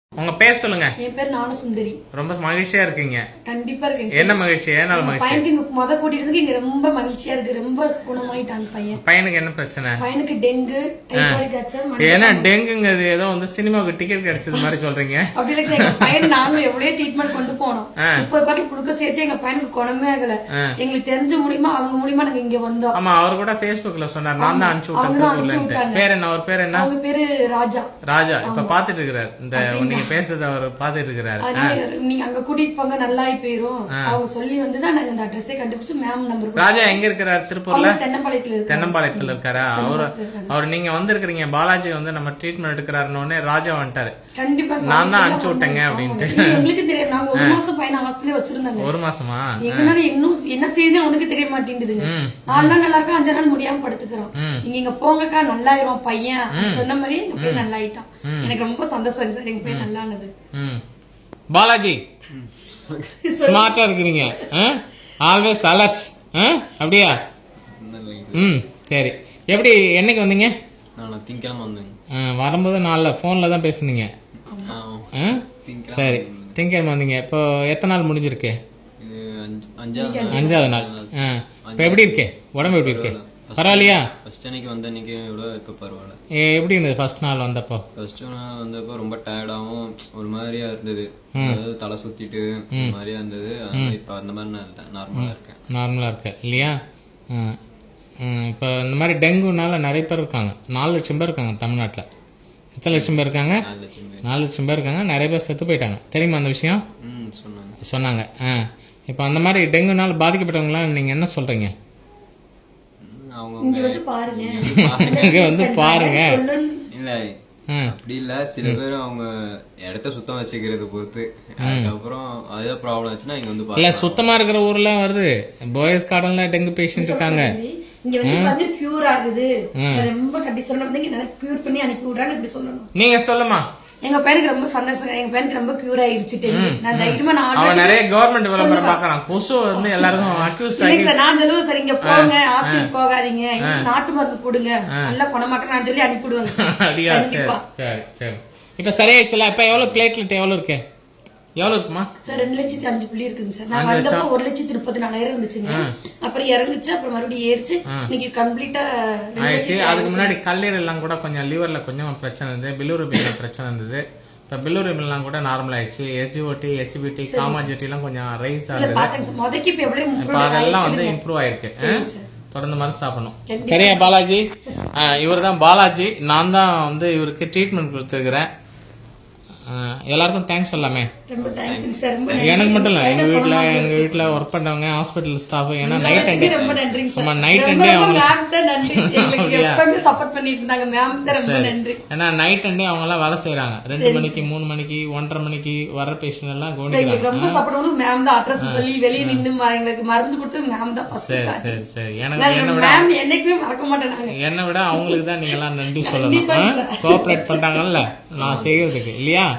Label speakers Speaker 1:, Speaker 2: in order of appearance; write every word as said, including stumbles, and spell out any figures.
Speaker 1: உங்க பேர் சொல்லுங்க.
Speaker 2: என் பேர் ஞானசுந்தரி.
Speaker 1: ரொம்ப மகிழ்ச்சியா இருக்கீங்க.
Speaker 2: கண்டிப்பா இருக்கேன்.
Speaker 1: என்ன மகிழ்ச்சி? ஏனால மகிழ்ச்சி?
Speaker 2: பையனுக்கு இங்க முத கூட்டிட்டு இங்க ரொம்ப மகிழ்ச்சியா இருக்கு. ரொம்ப குணமாயிட்டாங்க பையன்.
Speaker 1: பையனுக்கு என்ன பிரச்சனை?
Speaker 2: பையனுக்கு டெங்கு, டைபாய்டு காய்ச்சல்.
Speaker 1: ஏன்னா டெங்குங்கிறது ஏதோ வந்து சினிமாவுக்கு டிக்கெட் கிடைச்சது மாதிரி சொல்றீங்க.
Speaker 2: அப்படி இல்ல, எங்க பையன் நாங்க எவ்வளவு ட்ரீட்மெண்ட் கொண்டு போனோம். முப்பது பாட்டில் குடுக்க சேர்த்து எங்க பையனுக்கு குணமே ஆகல. எங்களுக்கு தெரிஞ்ச மூலியமா அவங்க மூலியமா நாங்க இங்க வந்தோம்.
Speaker 1: ஆமா, அவர் கூட Facebookல சொன்னார், நான் தான் அனுப்பிச்சு விட்டேன். பேர் என்ன? அவர் பேர் என்ன?
Speaker 2: அவங்க பேரு ராஜா.
Speaker 1: ராஜா இப்ப பாத்துட்டு இருக்காரு. இந்த நீங்க பேசுறது அவர் பாத்துட்டு இருக்காரு.
Speaker 2: நீங்க அங்க கூட்டிட்டு போங்க, நல்லா போயிரும் அவங்க சொல்லி வந்துதான் நாங்க இந்த அட்ரஸே கண்டுபிடிச்சு மேம் நம்பர்.
Speaker 1: ராஜா எங்க இருக்கிறாரு? திருப்பூர்ல
Speaker 2: தென்னம்பாளையத்துல இருக்கு.
Speaker 1: தென்னம்பாளையத்துல இருக்காரா? அவரு அவர் நீங்க வந்திருக்கிறீங்க பாலாஜி வந்து நம்ம ட்ரீட்மெண்ட் எடுக்கிறாருன்னு ராஜா வந்துட்டாரு.
Speaker 2: கண்டிப்பா
Speaker 1: நான் தான் அனுப்பிச்சு விட்டேங்க அப்படின்ட்டு.
Speaker 2: எங்களுக்கு தெரியாது. நாங்க ஒரு மாசம் பையன் ஹாஸ்டல்ல வச்சிருந்தாங்க.
Speaker 1: ஒரு மாசமா?
Speaker 2: எங்கனால இன்னும் என்ன செய்யுதுன்னு உனக்கு தெரிய மாட்டேங்குதுங்க. நாலு நாள் நல்லா இருக்கா, அஞ்சு நாள் முடியாம படுத்துக்கிறோம். நீங்க இங்க போங்கக்கா நல்லாயிரும் பையன் சொன்ன மாதிரி எங்க பையன் நல்லா ஆயிட்டான். எனக்கு ரொம்ப சந்தோஷம் சார், எங்க பையன் நல்லானது.
Speaker 1: பாலாஜி ஸ்மார்ட்டா இருக்கிறீங்க, ஆல்வேஸ் அலர்ட். அப்படியா? ம் சரி. எப்படி என்னைக்கு வந்தீங்க?
Speaker 3: நான் திங்கக்கிழமை வந்தேங்க.
Speaker 1: வரும்போது நாளில் ஃபோனில் தான் பேசுனீங்க. சரி, திங்கக்கிழமை வந்தீங்க. இப்போ எத்தனை நாள் முடிஞ்சிருக்கு? அஞ்சாவது நாள். இப்போ எப்படி இருக்கு உடம்பு? எப்படி இருக்கு? பரவாயில்லையா?
Speaker 3: ஃபர்ஸ்ட் அன்னைக்கு வந்த அன்னைக்கு விட இப்போ பரவாயில்ல.
Speaker 1: எப்படி இருந்தது ஃபர்ஸ்ட் நாள் வந்தப்போ?
Speaker 3: ஃபர்ஸ்ட் நாள் வந்தப்போ ரொம்ப டயர்டாகவும் ஒரு மாதிரியா இருந்தது. அதாவது தலை சுத்திட்டு ஒரு மாதிரியா இருந்தது. இப்போ அந்த மாதிரி நான் இல்லை, நார்மலாக இருக்கேன்.
Speaker 1: நார்மலாக இருக்கேன் இல்லையா? இப்போ இந்த மாதிரி டெங்குனால நிறைய பேர் இருக்காங்க. நாலு லட்சம் பேர் இருக்காங்க தமிழ்நாட்டில். எத்தனை லட்சம் பேர் இருக்காங்க?
Speaker 3: நாலு லட்சம் பேர். நாலு
Speaker 1: லட்சம் பேர் இருக்காங்க. நிறைய பேர் செத்து போயிட்டாங்க. தெரியுமா அந்த விஷயம்?
Speaker 3: ம் சொன்னாங்க
Speaker 1: சொன்னாங்க. ஆ இப்போ அந்த மாதிரி டெங்குனால பாதிக்கப்பட்டவங்களாம் நீங்கள் என்ன சொல்கிறீங்க?
Speaker 2: இங்க வந்து பாருங்க,
Speaker 1: இங்க வந்து பாருங்க.
Speaker 3: இல்ல அப்படி இல்ல, சில பேர் அவங்க இடத்த சுத்தம் வச்சுக்கிறது பொறுத்து. அதுக்கப்புறம் அதே ப்ராப்ளம் ஆச்சுன்னா இங்க வந்து
Speaker 1: இல்ல சுத்தமா இருக்கிற ஊர்ல வருது. போயஸ் கார்டன்ல டெங்கு பேஷண்ட் இருக்காங்க.
Speaker 2: இங்க வந்து வந்து கியூர் ஆகுது. ரொம்ப கண்டிஷன்ல வந்து இங்க நல்லா கியூர் பண்ணி அனுப்பி விடுறாங்க. இப்படி சொல்லணும்.
Speaker 1: நீங்க சொல்லுமா?
Speaker 2: எங்க பையனுக்கு ரொம்ப சந்தோஷம். எங்க பையனுக்கு ரொம்ப கியூர் ஆயிருச்சு. நான் தைரியமா நான்
Speaker 1: அவன் நிறைய கவர்மெண்ட் விளம்பரம் பார்க்கறான். கொசு வந்து எல்லாருக்கும் அக்யூஸ்ட் ஆகி.
Speaker 2: சார் நான் சொல்லுவேன் சார், இங்க போங்க, ஹாஸ்பிடல் போகாதீங்க, நாட்டு மருந்து கொடுங்க, நல்லா குணமாக்க நான் சொல்லி அனுப்பிடுவேங்க சார்.
Speaker 1: அப்படியா? சரி சரி. இப்ப சரியாயிடுச்சுல? இப்ப எவ்வளவு பிளேட்லெட் எவ்வளவு இருக்கு? எவ்வளவு இருக்குமா
Speaker 2: சார்? ரெண்டு லட்சத்தி அஞ்சு புள்ளி இருக்குங்க சார். நான் வந்தப்போ ஒரு லட்சத்தி முப்பத்தி நாலாயிரம் இருந்துச்சுங்க. அப்புறம் இறங்குச்சு, அப்புறம் மறுபடியும் ஏறிச்சு. இன்னைக்கு கம்ப்ளீட்டா
Speaker 1: ஆயிடுச்சு. அதுக்கு முன்னாடி கல்லீரல் எல்லாம் கூட கொஞ்சம் லிவர்ல கொஞ்சம் பிரச்சனை இருந்தது. பிலூரபின்ல பிரச்சனை இருந்தது. இப்போ பிலூரபின்லாம் கூட நார்மல் ஆயிடுச்சு. எஸ்ஜிஓடி, எச்பிடி, காமாஜெட்டி எல்லாம் கொஞ்சம் ரைஸ் ஆகுது. இப்போ அதெல்லாம் வந்து இம்ப்ரூவ் ஆயிருக்கு. தொடர்ந்து மருந்து சாப்பிடணும். சரியா பாலாஜி? இவர் தான் பாலாஜி. நான் தான் வந்து இவருக்கு ட்ரீட்மெண்ட் கொடுத்துருக்கிறேன். எல்லாருக்கும் தேங்க்ஸ் சொல்லாமே. எனக்கு மட்டும் இல்லை, எங்கள் வீட்டில் எங்கள் வீட்டில் ஒர்க் பண்ணுறவங்க, ஹாஸ்பிட்டல் ஸ்டாஃப். ஏன்னா நைட் அண்ட் டே நம்ம நைட் அண்ட் டே அவங்க ஏன்னா நைட் அண்ட் டே அவங்கெல்லாம் வேலை செய்கிறாங்க. ரெண்டு மணிக்கு மூணு மணிக்கு ஒன்றரை மணிக்கு வர்ற பேஷண்ட் எல்லாம் கவனிக்கிறாங்க.
Speaker 2: ரொம்ப சப்போர்ட் மேம் தான் அட்ரஸ் சொல்லி வெளியே நின்று எங்களுக்கு மருந்து கொடுத்து மேம் தான். சரி
Speaker 1: சரி சரி. எனக்கு என்ன விட
Speaker 2: என்னைக்குமே மறக்க மாட்டேன்.
Speaker 1: என்னை விட அவங்களுக்கு தான் நீங்க எல்லாம் நன்றி சொல்லணும். கோஆப்ரேட் பண்றாங்கல்ல நான் செய்யறதுக்கு இல்லையா?